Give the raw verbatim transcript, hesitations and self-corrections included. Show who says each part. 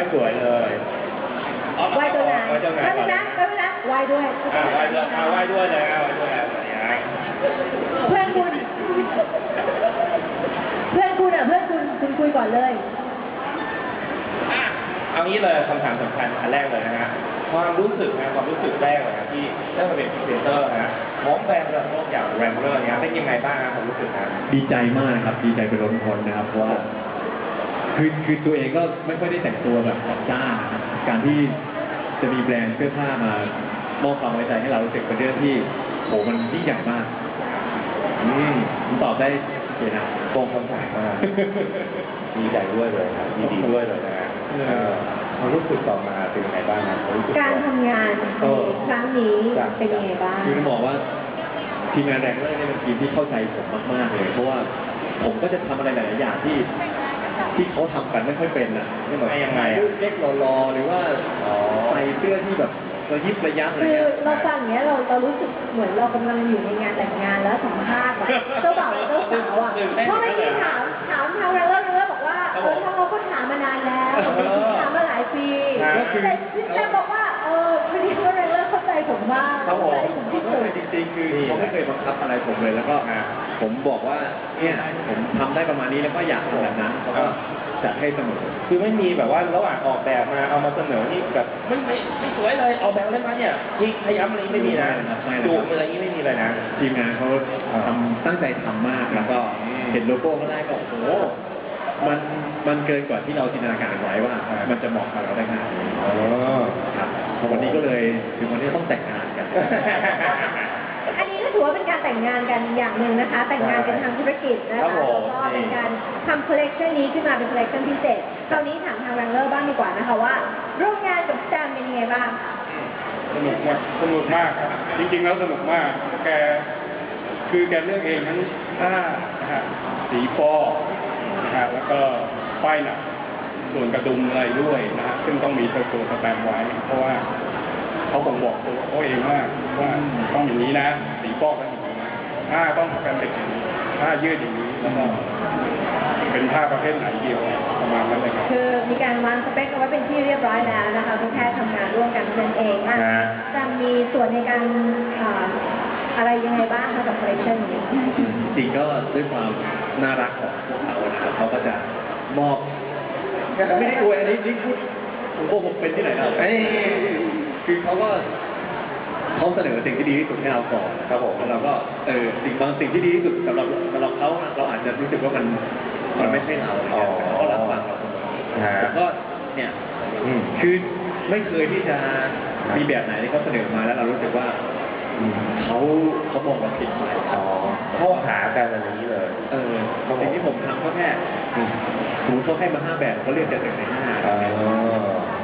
Speaker 1: สวยเลย
Speaker 2: ไหว้ตัวไหน
Speaker 1: ไหว้เจ้าไหนก่อนนะ
Speaker 2: ไหว้ด้วยนะไหว้ด้วย
Speaker 1: ไหว้ด้วยไหว้ด้วยเลยไหว้ด้วยอะไรอย่างเงี้ย
Speaker 2: เพื่อนคุณเพื่อนคุณอ่ะเพื่อนคุณคุณคุยก่อนเลย
Speaker 1: เอางี้เลยคำถามสำคัญอันแรกเลยนะฮะความรู้สึกนะความรู้สึกแรกเลยนะที่ได้มาเป็นพรีเซนเตอร์นะของแบรนด์ระดับโลกอย่างแรมเบอร์เนี้ยเป็นยังไงบ้างครับความรู้สึกนะ
Speaker 3: ดีใจมากครับดีใจเป็นล้นพ้นนะครับเพราะว่าคือคือตัวเองก็ไม่ค่อยได้แต่งตัวแบบจัดจ้านนะครับการที่จะมีแบรนด์เสื้อผ้ามามอบความไว้ใจให้เรารู้สึกเป็นเรื่องที่โหมันยิ่งใหญ่มากอืมผมตอบได้เห็นนะ
Speaker 1: ตรงคำถามมากดีใจด้วยเลยครับดีดีด้วยเลยนะฮะความรู้สึกต่อมาเป็นยังไงบ้างครับ
Speaker 2: การทำงานครั้งนี้เป็นยังไงบ้าง
Speaker 3: คือต้องบอกว่าทีมงานแรงเลอร์เนี่ยเป็นทีมที่เข้าใจผมมากๆเลยเพราะว่าผมก็จะทำอะไรหลายๆอย่างที่ที่เขาทำกันไม่ค่อยเป็นอ่ะ
Speaker 1: ไม่แบบยังไง
Speaker 3: เล็กๆรอๆหรือว่าใส่เสื้อที่แบบระยิบระยับอะไร
Speaker 2: คือเราฟังอย่างเงี้ยเราเรารู้สึกเหมือนเรากำลังอยู่ในงานแต่งงานแล้วสัมภาษณ์แบบเจ้าบ่าวและเจ้าสาวอ่ะเพราะไม่ได้ถามถามทางแรงเลอร์แรงเลอร์บอกว่าเออทางเราก็ถามมานานแล้วถามมาหลายปีแต่พี่แจ๊บอกว่าเออพอดีว่าแรงเลอร์เข้าใจผมมากเข้าใจผมที่สุด
Speaker 3: จริงๆคือเขาไม่เคยบังคับอะไรผมเลยแล้วก็ผมบอกว่าเนี่ยผมทำได้ประมาณนี้แล้วก็อยากทำแบบนั้นเขาก็จัดให้เสมอ
Speaker 1: คือไม่มีแบบว่าระหว่างออกแบบมาเอามาเสนอนี่แบบไม่ไม่ไม่สวยเลยออกแบบอะไรมาเนี่ยที่พยายามอะไรไม่มีนะดูอะไรนี้ไม่มีเลยนะ
Speaker 3: ทีมงานเขาทำตั้งใจทำมากแล้วก็เห็นโลโก้ก็ได้ก็โอ้โหมันมันเกินกว่าที่เราจินตนาการไว้ว่ามันจะเหมาะกับเราได้ขนาดนี้ครับวันนี้ก็เลยถึงวันนี้ต้องแต่งงานกัน
Speaker 2: อันนี้ก็ถือว่าเป็นการแต่งงานกันอย่างหนึ่งนะคะแต่งงานกันทางธุรกิจนะคะแล้วก็เป็นการทำคอลเลกชันนี้ขึ้นมาเป็นคอลเลกชันพิเศษคราวนี้ถามทางแรงเลอร์บ้างดีกว่านะคะว่าร่วมงานกับแซมเป็นยังไงบ้าง
Speaker 4: สนุกมากสนุกมากครับจริงๆแล้วสนุกมากแกคือแกเลือกเองทั้งผ้านะฮะสีฟอนะฮะแล้วก็ป้ายหนักส่วนกระดุมอะไรด้วยนะฮะซึ่งต้องมีตัวตัวสแตมป์ไว้เพราะว่าเขาคงบอกตัวเขาเองว่าว่าต้องอย่างนี้นะสีฟอกต้องอย่างนี้ผ้าต้องกันเป็นอย่างนี้ผ้ายืดอย่างนี้แล้วก็เป็นผ้าประเภทไหนเดียวประมาณนั้นเลยครับ
Speaker 2: คือมีการวางสเปคเอาไว้เป็นที่เรียบร้อยแล้วนะคะก็แค่ทำงานร่วมกันนั่นเองอ่ะจะมีส่วนในการอะไรยังไงบ้างคะกับคอลเลคชันนี้
Speaker 3: จริงก็ด้วยความน่ารักของพวกเขานะครับเขาก็จะมอบไม่ได้อวยอันนี้นี่พูดผมโกหกเป็นที่ไหนเราคือเขาก็เขาเสนอสิ่งที่ดีที่สุดให้เราก่อนครับผมแล้วเราก็เออสิ่งบางสิ่งที่ดีที่สุดสำหรับสำหรับเขาเราอาจจะรู้สึกว่ามันมันไม่ใช่เราอะไรเงี้ยเขาก็รับฟังเราเสมอแต่ก็เนี่ยคือไม่เคยที่จะมีแบบไหนที่เขาเสนอมาแล้วเรารู้สึกว่าเขาเขามองเราผิดไป
Speaker 1: เข้าหากันอะไรอย่างนี้เลย
Speaker 3: เออสิ่งที่ผมทำก็แค่สมมติเขาให้มาห้าแบบเขาเลือกจากหนึ่งในห้า